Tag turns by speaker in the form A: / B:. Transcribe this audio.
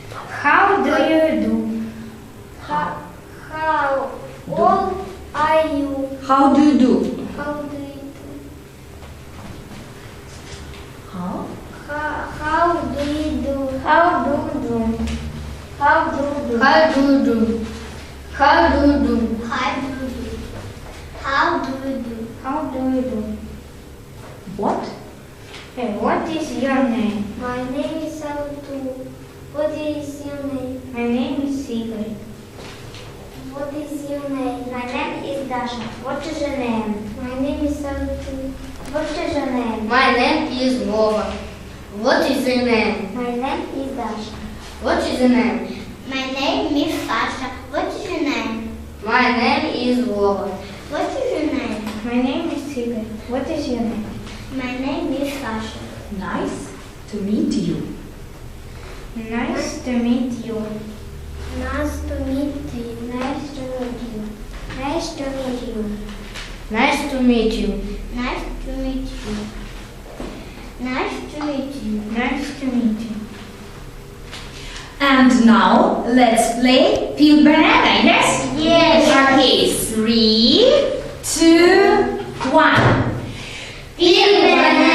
A: How do you do?
B: How old are you?
C: How do you do?
B: How do you do?
C: How?
B: How do you do?
A: How do you do? How do you do?
B: How do you do?
A: How do you do?
B: How do you do? How do you do?
A: How do you do?
C: What?
A: Hey, what is your name?
B: My name is Saltu. What is your name?
A: My name is Sigrid.
B: What is your name?
A: My name is Dasha. What is your name?
B: My name is Saltu.
A: What is your name?
D: My name is Vova. What is your name?
A: My name is Dasha.
D: What is your name?
B: My name is Sasha. What is your name?
D: My name is Vova.
B: What is your name?
A: My name is Sigrid. What is your name?
B: My name is Sasha.
C: Nice to meet you.
A: Nice to meet you.
B: Nice to meet you.
A: Nice to meet you.
B: Nice to meet you.
D: Nice to meet you.
B: Nice to meet you. Nice to meet you.
A: Nice to meet you.
C: And now let's play Peel Banana, yes?
B: Yes.
C: Okay, 3, 2, 1.
B: Peel banana.